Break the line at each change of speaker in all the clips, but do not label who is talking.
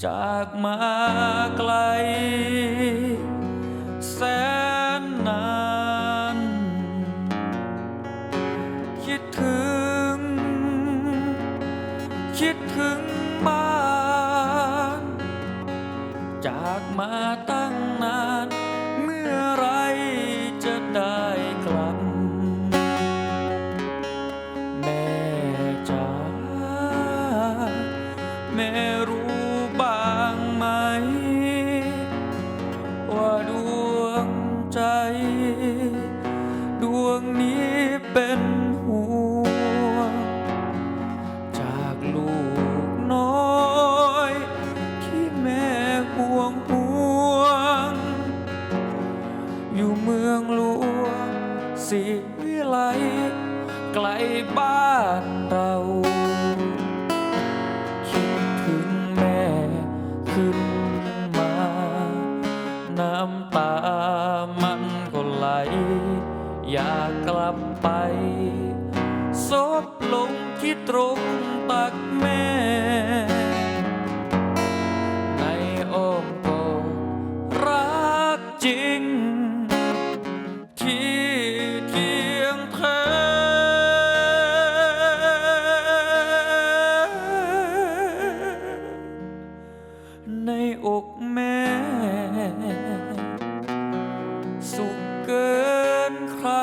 จากมาไกลแสนนานคิดถึงบ้านจากมาตั้งนานเมื่อไรจะได้กลับแม่จ๋าแม่รู้บ้างไหมว่าดวงใจดวงนี้เป็นห่วงจากลูกน้อยที่แม่ห่วงอยู่เมืองหลวงศรีวิไลไกลบ้านเราคิดถึงแม่ขึ้นมาน้ำตามันก็ไหลอยากกลับไปซบลงที่ตรงตักแม่ในอ้อมกอดรักจริงที่เทียงแท้ในอกแม่สุขเกินใคร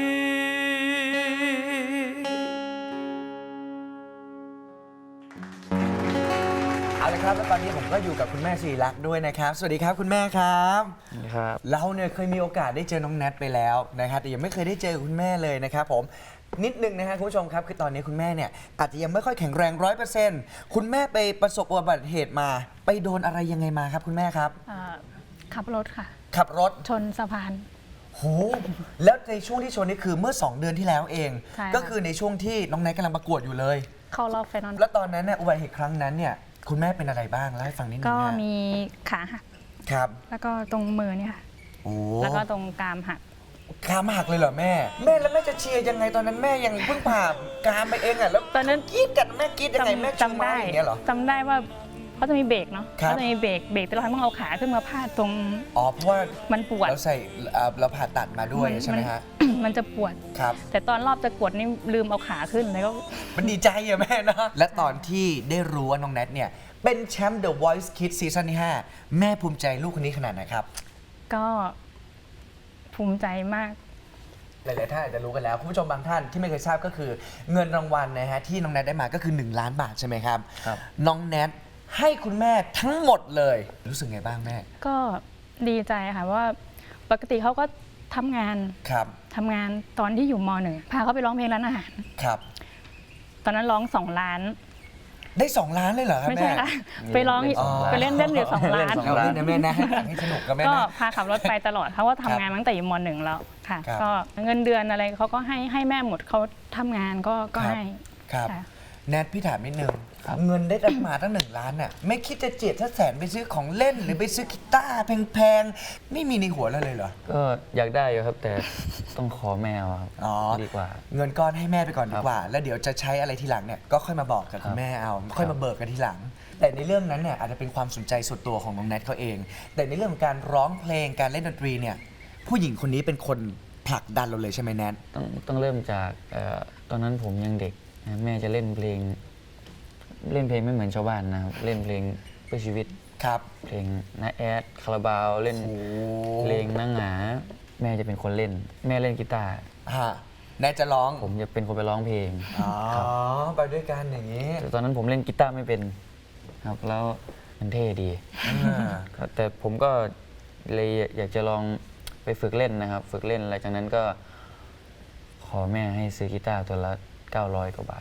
เอาละครับแล้วตอนนี้ผมก็อยู่กับคุณแม่ศิริลักษณ์ด้วยนะครับสวัสดีครับคุณแม่ครับ
ครับ
เราเนี่ยเคยมีโอกาสได้เจอน้องแนทไปแล้วนะครับแต่ยังไม่เคยได้เจอคุณแม่เลยนะครับผมนิดนึงนะฮะคุณผู้ชมครับคือตอนนี้คุณแม่เนี่ยอาจจะยังไม่ค่อยแข็งแรง 100%คุณแม่ไปประสบอุบัติเหตุมาไปโดนอะไรยังไงมาครับคุณแม่ครับ
ขับรถค่ะ
ขับรถ
ชนสะพาน
โหแล้วในช่วงที่ชนนี่คือเมื่อ 2 เดือนที่แล้วเอง
ใช่ค่ะ
ก็คือในช่วงที่น้องแนทกำลังประกวดอยู่เลย
เข้ารอบไฟนอล
แล้วตอนนั้นเนี่ยอุบัติเหตุครั้งนั้นเนี่ยคุณแม่เป็นอะไรบ้างเล่าให้ฟังนิดนึง
ก็
นะ
มีขาหัก
ครับ
แล้วก็ตรงมือเนี่ยค่ะ
โอ้
แล้วก็ตรงกรามหัก
กรามหักเลยเหรอแม่แล้วแม่จะเชียร์ยังไงตอนนั้นแม่ยังเพิ่งผ่ากรามไปเองอ่ะแล้ว
ตอนนั้น
กรีดกันแม่กรีดยังไงแม่ชู
จำ
ไม้
ได้
อย่างเงี้ยเหรอ
จำได้ว่าเขาจะมีเบรกเนาะ
ครับ
เขาจะมีเบรกแต่เราต้องเอาขาขึ้นมาพาดตรง
อ๋อเพราะว่า
มันปวด
เราใส่เราผ่าตัดมาด้วยใช่ไหมฮะ
มันจะปวด
ครับ
แต่ตอนรอบจะกดนี่ลืมเอาขาขึ้นแล้วก็
มันดีใจอะแม่นะและตอนที่ได้รู้ว่าน้องแนทเนี่ยเป็นแชมป์ The Voice Kids ซีซั่นที่5แม่ภูมิใจลูกคนนี้ขนาดไหนครับ
ก็ภูมิใจมาก
หลายๆท่านอาจจะรู้กันแล้วคุณผู้ชมบางท่านที่ไม่เคยทราบก็คือเงินรางวัลนะฮะที่น้องแนทได้มาก็คือ1 ล้านบาทใช่ไหมครับ
ครับ
น้องแนทให้คุณแม่ทั้งหมดเลยรู้สึกไงบ้างแม่
ก็ดีใจค่ะว่าปกติเขาก็ทำงาน
ครับ
ตอนที่อยู่ม .1 พาเขาไปร้องเพลงร้านอาหาร
ครับ
ตอนนั้นร้อง2 ล้าน
ได้ 2 ล้านเลยเหรอครับ
ไม่
แม่
ใช่ค่ะไปร้อง
อ๋อ
ไปเล่นอยู่2 ล้าน
เอาเล่นนะแม่นะให้สนุกกับแม่
ก็
นะ
พาขับรถไปตลอดเขาก็ทำงานมาตั้งแต่อยู่ม .1 แล้วค่ะ
ครับ
ก็เงินเดือนอะไรเขาก็ให้แม่หมดเขาทำงานก็
ครับ
ให้
ครับ
ค่ะ
แนทพี่ถามนิดนึงเงินได้รับมาตั้ง1 ล้านน่ะไม่คิดจะเจียดสักแสนไปซื้อของเล่นหรือไปซื้อกีตาร์แพงๆไม่มีในหัวเราเลยเหรอ
ก็อยากได้อยู่ครับ แต่ต้องขอแมวครับ
อ๋อ
ดีกว่า
เงินก้อนให้แม่ไปก่อนดีกว่า แล้วเดี๋ยวจะใช้อะไรทีหลังเนี่ยก็ค่อยมาบอกกับคุณแม่เอาค่อยมาเบิกกันทีหลัง แต่ในเรื่องนั้นเนี่ยอาจจะเป็นความสนใจส่วนตัวของน้องแนทเขาเอง แต่ในเรื่องของการร้องเพลงการเล่นดนตรีเนี่ยผู้หญิงคนนี้เป็นคนผลักดันเราเลยใช่ไหมแนท
ต้องเริ่มจากตอนนั้นผมยังเด็กนะแม่จะเล่นเพลงไม่เหมือนชาวบ้านนะครับ เล่นเพลงเพื่อชีวิต
ครับ
เพลงน้าแอดคาราบาวเล่นเพลงนางหงาแม่จะเป็นคนเล่น แม่เล่นกีตาร์
ฮะแนทจะร้อง
ผมจะเป็นคนไปร้องเพลง
อ๋อ
ครับ
ไปด้วยกันอย่างนี้
แต่ตอนนั้นผมเล่นกีตาร์ไม่เป็นครับแล้วมันเท่ดี ครับแต่ผมก็เลยอยากจะลองไปฝึกเล่นนะครับ ฝึกเล่นหลังจากนั้นก็ขอแม่ให้ซื้อกีตาร์ตัวละ900 กว่าบาท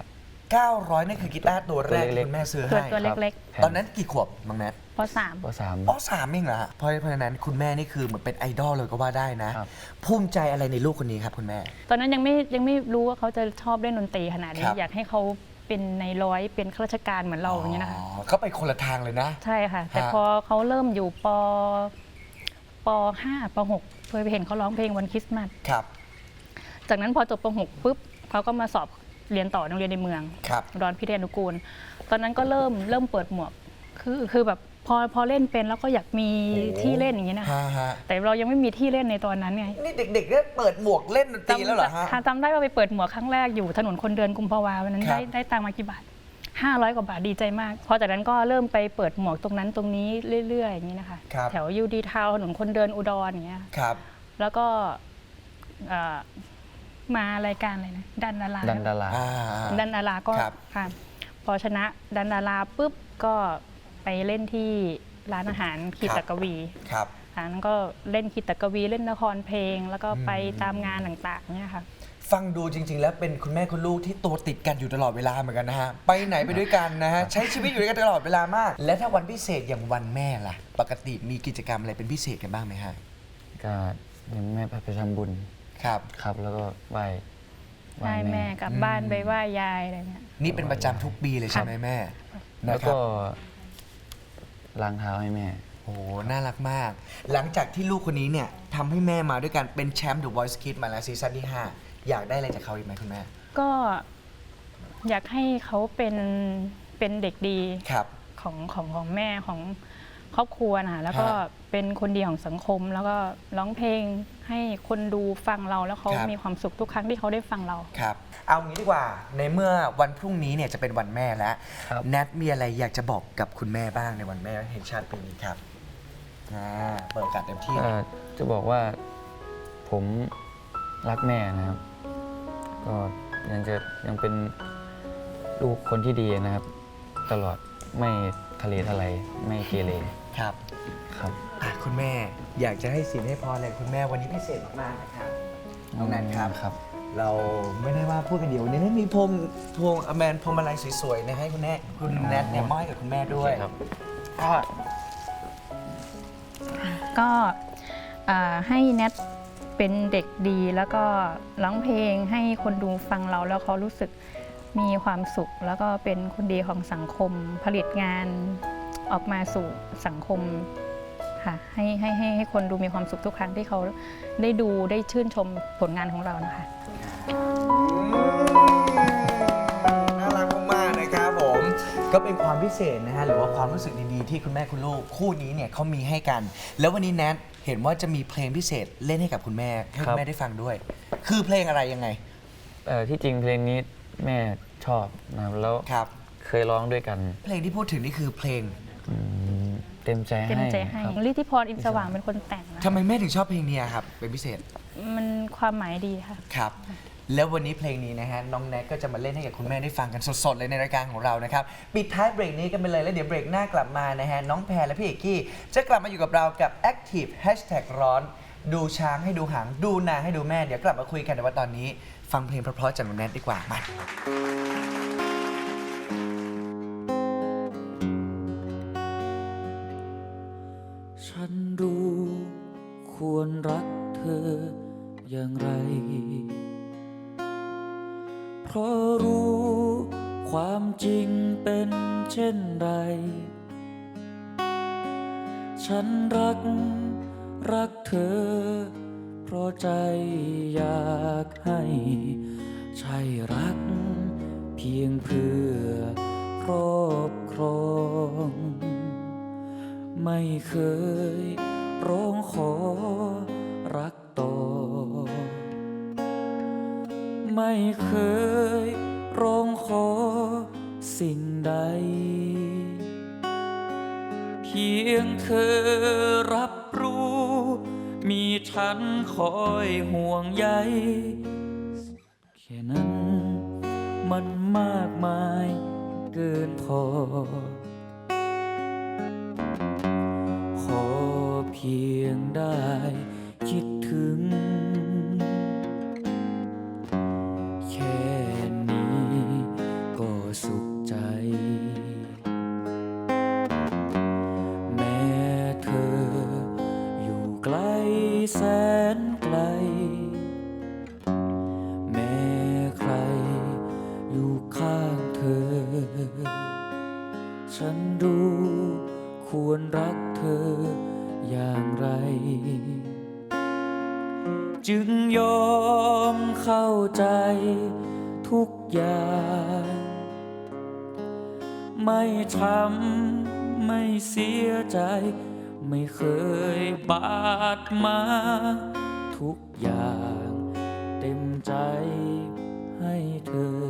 900นั่นคือกีตาร์ตัวแรก
ตัว
ที่
เล็กๆ
คุณแม่ซื้อ
ตัว
ให้
ตัวเล็ก
แผ่
ตอนนั้นกี่ขวบน้องแนท
ๆป .3
ป
อ๋อ3เองเหรอฮะเพราะฉะนั้นคุณแม่นี่คือเหมือนเป็นไอดอลเลยก็ว่าได้นะ
ครับ
ภูมิใจอะไรในลูกคนนี้ครับคุณแม่
ตอนนั้นยังไม่รู้ว่าเขาจะชอบเล่นดนตรีขนาดนี้
ครับ
อยากให้เขาเป็นในร้อยเป็นข้าราชการเหมือนเราอย่างนี้ยนะคะ
เขาไปคนละทางเลยนะ
ใช่ค่ะ แต่
ฮะ
พอเขาเริ่มอยู่ป .5 ป .6 เคยไปเห็นเขาร้องเพลงวันคริสต์มาส
ครับ
จากนั้นพอจบป .6 ปุ๊บเขาก็มาสอบเรียนต่อโรงเรียนในเมือง
ครับ
อุดรพิทยานุกูล ตอนนั้นก็เริ่มเปิดหมวกคือแบบพอเล่นเป็นแล้วก็อยากมี
โอ้
ที่เล่นอย่างนี้นะ
ฮะ
แต่เรายังไม่มีที่เล่นในตอนนั้นไง
นี่เด็กๆได้เปิดหมวกเล่นดนตรีแล้วเหรอฮะ
ค่ะจำได้ว่าไปเปิดหมวกครั้งแรกอยู่ถนนคนเดินกุมภาวาวันนั้น
ครับ
ได้ตังค์มากี่บาท500 กว่าบาทดีใจมากพอจากนั้นก็เริ่มไปเปิดหมวกตรงนั้นตรงนี้เรื่อยๆอย่างนี้นะคะ
ครับ
แถวยูดีทาวถนนคนเดินอุดรอย่างเงี้ย
ครับ
แล้วก็มารายการอะไรนะดันดารา
ดันดารา
ดันดาราก็
ครับ
ค่ะพอชนะดันดาราปุ๊บก็ไปเล่นที่ร้านอาหารขีตกวี
ครับ
นั้นก็เล่นขีตกวีเล่นละครเพลง แล้วก็ไปตามงานต่างๆเนี่ยค่ะ
ฟังดูจริง ๆ แล้วเป็นคุณแม่คุณลูกที่ตัวติดกันอยู่ตลอดเวลาเหมือนกันนะฮะ ไปไหนไปด้วยกันนะฮะ ใช้ชีวิตอยู่ด้วยกันตลอดเวลามาก และถ้าวันพิเศษอย่างวันแม่ล่ะ ปกติมีกิจกรรมอะไรเป็นพิเศษกันบ้างไหมฮะ
ก็ยังแม่ไปทำบุญ
ครับ
ครับ แล้วก็ไหว้
ไหว้แม่กลับบ้านไปไหว้ยายอะไรเงี้ย
นี่เป็นประจำทุกปีเลยใช่ไหมแม่
แล้
นะ
ว
ครั
ก็
บ
ล้างเท้าให้แม่
โอ้โหน่ารักมาก หลังจากที่ลูกคนนี้เนี่ยทำให้แม่มาด้วยกันเป็นแชมป์ The Voice Kids มาแล้วซีซั่นที่ 5 อยากได้อะไรจากเขาอีกไหมคุณแม่
ก็อยากให้เขาเป็นเด็กดี
ครับ
ของแม่ของครอบครัวนะคะแล้วก็
ฮะ
เป็นคนดีของสังคม แล้วก็ร้องเพลงให้คนดูฟังเราแล้วเขา
ครับ
มีความสุขทุกครั้งที่เขาได้ฟังเรา
ครับ เอางี้ดีกว่า ในเมื่อวันพรุ่งนี้เนี่ยจะเป็นวันแม่แล้ว
ครับ
แนทมีอะไรอยากจะบอกกับคุณแม่บ้างในวันแม่แห่งชาติปีนี้ครับเปิดโอกาสเต็มที่
ก็จะบอกว่าผมรักแม่นะครับ ก็ยังเป็นลูกคนที่ดีนะครับ ตลอดไม่ทะเลทลายไม่เกเร
ครับ
ครับ
คุณแม่อยากจะให้สิ่งให้พรอะไรคุณแม่วันนี้พิเศษมากๆนะครับน้องแนทครับ
ครับ
เราไม่ได้ว่าพูดกันเดียววันนี้มีพวงอแมนพวงมาลัยสวยๆนะให้คุณแม่คุณแนทเนี่ยมอบให้กับคุณแม่ด้วย
ครับ
ก็ให้แนทเป็นเด็กดีแล้วก็ร้องเพลงให้คนดูฟังเราแล้วเขารู้สึกมีความสุข แล้วก็เป็นคนดีของสังคมผลิตงานออกมาสู่สังคมค่ะให้คนดูมีความสุขทุกครั้งที่เขาได้ดูได้ชื่นชมผลงานของเรานะคะ
น่ารักมากๆนะครับผมก็เป็นความพิเศษนะฮะหรือว่าความรู้สึกดีๆที่คุณแม่คุณลูกคู่นี้เนี่ยเขามีให้กัน แล้ววันนี้แนทเห็นว่าจะมีเพลงพิเศษเล่นให้กับคุณแม่ให้คุณแม่ได้ฟังด้วย คือเพลงอะไรยังไง
ที่จริงเพลงนี้แม่ชอบนะครับแล้ว
ครับ
เคยร้องด้วยกัน
เพลงที่พูดถึงนี่คือเพลง
อืมเต็มใจให้
เต็มใจให้
ครับ
ฤทธิพรอินทร์สว่างเป็นคนแต่งนะ
ทำไมแม่ถึงชอบเพลงนี้ครับเป็นพิเศษ
มันความหมายดีค่ะ
ครับ แล้ววันนี้เพลงนี้นะฮะน้องแนทก็จะมาเล่นให้กับคุณแม่ได้ฟังกันสดๆเลยในรายการของเรานะครับปิดท้ายเบรกนี้กันไปเลยแล้วเดี๋ยวเบรกหน้ากลับมานะฮะน้องแพรและพี่เอกกี้จะกลับมาอยู่กับเรากับ Active Hashtag ร้อนดูช้างให้ดูหางดูนางให้ดูแม่เดี๋ยวกลับมาคุยกันแต่ว่าตอนนี้ฟังเพลงเพราะๆจากน้องแนทดีกว่ามา
ฉันรู้ควรรักเธออย่างไร เพราะรู้ความจริงเป็นเช่นไร ฉันรักเธอ เพราะใจอยากให้ ใช่รักเพียงเพื่อครอบครอง ไม่เคยร้องขอรักต่อ ไม่เคยร้องขอสิ่งใด เพียงเธอรับรู้ มีฉันคอยห่วงใย แค่นั้นมันมากมายเกินพอ ขอเพียงได้คิดถึง แค่นี้ก็สุขใจ แม้เธออยู่ไกลแสนไกล แม้ใครอยู่ข้างเธอ ฉันรู้ควรรักเธออย่างไร จึงยอมเข้าใจทุกอย่าง ไม่ช้ำไม่เสียใจ ไม่เคยบาดมา ทุกอย่างเต็มใจให้เธอ